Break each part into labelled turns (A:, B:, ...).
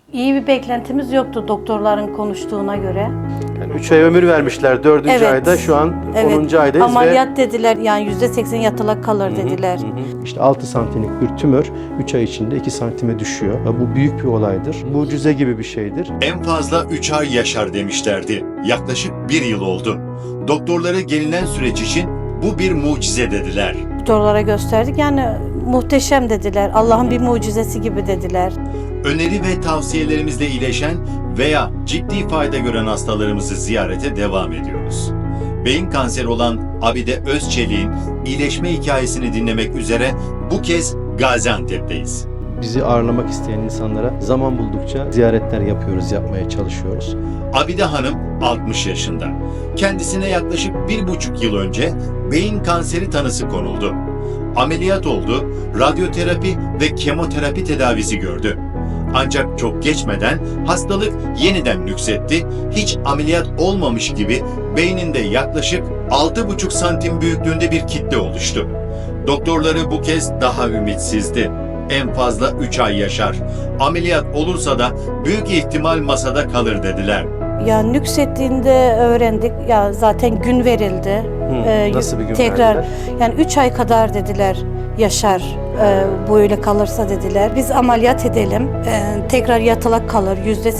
A: İyi bir beklentimiz yoktu doktorların konuştuğuna göre.
B: Yani 3 ay ömür vermişler. 4.
A: Evet.
B: ayda şu an 10. aydayız
A: Ameliyat dediler, yani %80 yatalak kalır dediler.
B: İşte 6 santimlik bir tümör 3 ay içinde 2 santime düşüyor. Bu büyük bir olaydır. Mucize gibi bir şeydir.
C: En fazla 3 ay yaşar demişlerdi. Yaklaşık 1 yıl oldu. Doktorlara gelinen süreç için bu bir mucize dediler.
A: Doktorlara gösterdik, yani muhteşem dediler. Allah'ın bir mucizesi gibi dediler.
C: Öneri ve tavsiyelerimizle iyileşen veya ciddi fayda gören hastalarımızı ziyarete devam ediyoruz. Beyin kanseri olan Abide Özçelik'in iyileşme hikayesini dinlemek üzere bu kez Gaziantep'teyiz.
B: Bizi ağırlamak isteyen insanlara zaman buldukça ziyaretler yapıyoruz, yapmaya çalışıyoruz.
C: Abide Hanım 60 yaşında. Kendisine yaklaşık 1,5 yıl önce beyin kanseri tanısı konuldu. Ameliyat oldu, radyoterapi ve kemoterapi tedavisi gördü. Ancak çok geçmeden hastalık yeniden nüksetti, hiç ameliyat olmamış gibi beyninde yaklaşık 6,5 santim büyüklüğünde bir kitle oluştu. Doktorları bu kez daha ümitsizdi. En fazla 3 ay yaşar. Ameliyat olursa da büyük ihtimal masada kalır dediler.
A: Ya nüksettiğinde öğrendik. Ya zaten gün verildi.
B: Nasıl bir gün
A: tekrar
B: verdiler?
A: yani 3 ay kadar dediler yaşar. Böyle kalırsa dediler. Biz ameliyat edelim. Tekrar yatalak kalır.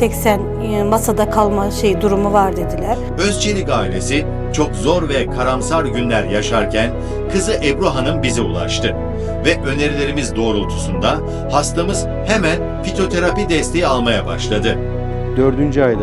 A: %80 masada kalma durumu var dediler.
C: Özçelik ailesi çok zor ve karamsar günler yaşarken kızı Ebru Hanım bize ulaştı. Ve önerilerimiz doğrultusunda hastamız hemen fitoterapi desteği almaya başladı.
B: 4. ayda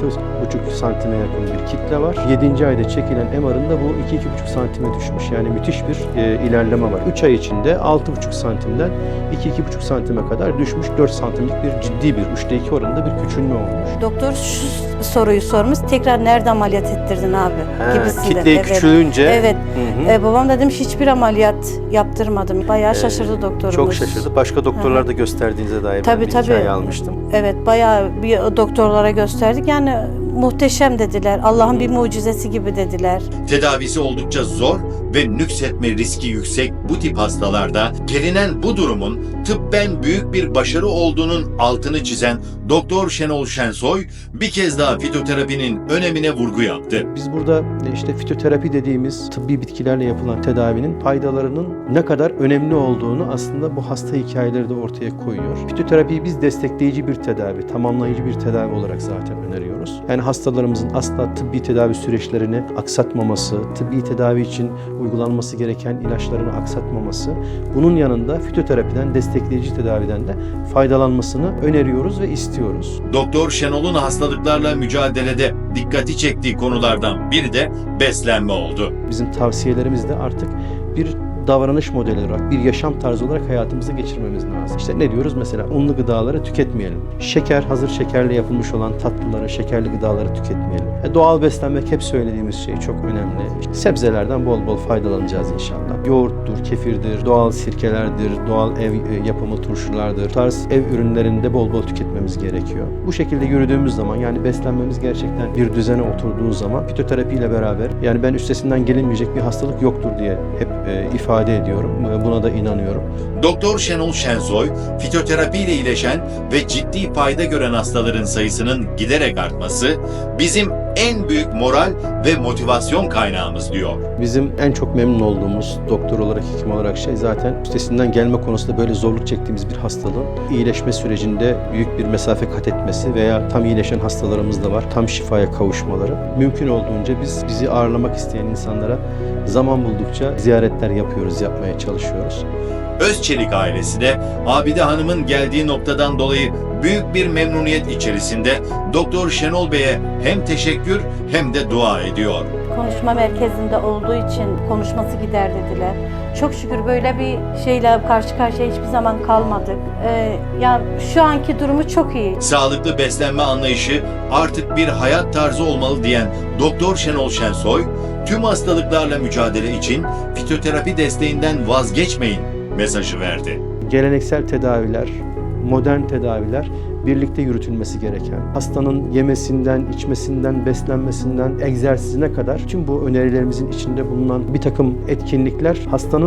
B: 6,5 santime yakın bir kitle var. 7. ayda çekilen MR'ında bu 2-2,5 santime düşmüş. Yani müthiş bir ilerleme var. 3 ay içinde 6,5 santimden 2-2,5 santime kadar düşmüş. 4 santimlik bir ciddi bir 3'te 2 oranında bir küçülme olmuş.
A: Doktor şu soruyu sormuş. Tekrar nerede ameliyat ettirdin abi? Gibisinden.
B: Kitleyi küçülünce.
A: Evet. Babam da demiş hiçbir ameliyat yaptırmadım. Bayağı şaşırdı doktorumuz.
B: Çok şaşırdı. Başka doktorlar da gösterdiğinize dair
A: Tabii,
B: bir hikaye almıştım.
A: Evet, bayağı bir doktorlara gösterdik. Yani muhteşem dediler. Allah'ın bir mucizesi gibi dediler.
C: Tedavisi oldukça zor ve nüksetme riski yüksek bu tip hastalarda gelinen bu durumun tıbben büyük bir başarı olduğunun altını çizen Doktor Şenol Şensoy bir kez daha fitoterapinin önemine vurgu yaptı.
B: Biz burada işte fitoterapi dediğimiz tıbbi bitkilerle yapılan tedavinin faydalarının ne kadar önemli olduğunu aslında bu hasta hikayeleri de ortaya koyuyor. Fitoterapiyi biz destekleyici bir tedavi, tamamlayıcı bir tedavi olarak zaten öneriyoruz. Yani hastalarımızın asla tıbbi tedavi süreçlerini aksatmaması, tıbbi tedavi için uygulanması gereken ilaçlarını aksatmaması, bunun yanında fitoterapiden, destekleyici tedaviden de faydalanmasını öneriyoruz ve istiyoruz.
C: Doktor Şenol'un hastalıklarla mücadelede dikkati çektiği konulardan biri de beslenme oldu.
B: Bizim tavsiyelerimiz de artık bir davranış modeli olarak, bir yaşam tarzı olarak hayatımıza geçirmemiz lazım. İşte ne diyoruz mesela? Unlu gıdaları tüketmeyelim. Şeker, hazır şekerle yapılmış olan tatlıları, şekerli gıdaları tüketmeyelim. Doğal beslenmek hep söylediğimiz şey çok önemli. İşte sebzelerden bol bol faydalanacağız inşallah. Yoğurttur, kefirdir, doğal sirkelerdir, doğal ev yapımı turşulardır. Bu tarz ev ürünlerinde bol bol tüketmemiz gerekiyor. Bu şekilde yürüdüğümüz zaman, yani beslenmemiz gerçekten bir düzene oturduğu zaman fitoterapiyle beraber, yani ben üstesinden gelinmeyecek bir hastalık yoktur diye hep ifade ediyorum. Buna da inanıyorum.
C: Doktor Şenol Şensoy, fitoterapi ile iyileşen ve ciddi fayda gören hastaların sayısının giderek artması bizim en büyük moral ve motivasyon kaynağımız diyor.
B: Bizim en çok memnun olduğumuz doktor olarak, hekim olarak zaten üstesinden gelme konusunda böyle zorluk çektiğimiz bir hastalığın iyileşme sürecinde büyük bir mesafe kat etmesi veya tam iyileşen hastalarımız da var. Tam şifaya kavuşmaları. Mümkün olduğunca bizi ağırlamak isteyen insanlara zaman buldukça ziyaretler yapıyoruz, yapmaya çalışıyoruz.
C: Özçelik ailesi de Abide Hanım'ın geldiği noktadan dolayı büyük bir memnuniyet içerisinde Doktor Şenol Bey'e hem teşekkür hem de dua ediyor.
A: Konuşma merkezinde olduğu için konuşması gider dediler. Çok şükür böyle bir şeyle karşı karşıya hiçbir zaman kalmadık. Yani şu anki durumu çok iyi.
C: Sağlıklı beslenme anlayışı artık bir hayat tarzı olmalı diyen Doktor Şenol Şensoy, tüm hastalıklarla mücadele için fitoterapi desteğinden vazgeçmeyin mesajı verdi.
B: Geleneksel tedaviler, modern tedaviler birlikte yürütülmesi gereken, hastanın yemesinden, içmesinden, beslenmesinden, egzersizine kadar tüm bu önerilerimizin içinde bulunan bir takım etkinlikler hastanın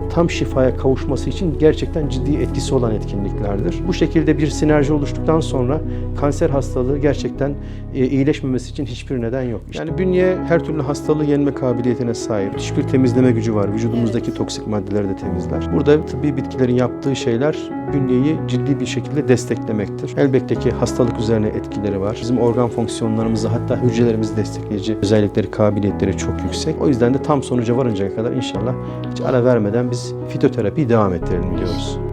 B: tam şifaya kavuşması için gerçekten ciddi etkisi olan etkinliklerdir. Bu şekilde bir sinerji oluştuktan sonra kanser hastalığı gerçekten iyileşmemesi için hiçbir neden yok. Yani bünye her türlü hastalığı yenme kabiliyetine sahip. Müthiş bir temizleme gücü var. Vücudumuzdaki toksik maddeleri de temizler. Burada tıbbi bitkilerin yaptığı şeyler bünyeyi ciddi bir şekilde desteklemektir. Elbette ki hastalık üzerine etkileri var. Bizim organ fonksiyonlarımızı, hatta hücrelerimizi destekleyici özellikleri, kabiliyetleri çok yüksek. O yüzden de tam sonuca varıncaya kadar inşallah hiç ara vermeden biz fitoterapiyi devam ettirelim diyoruz.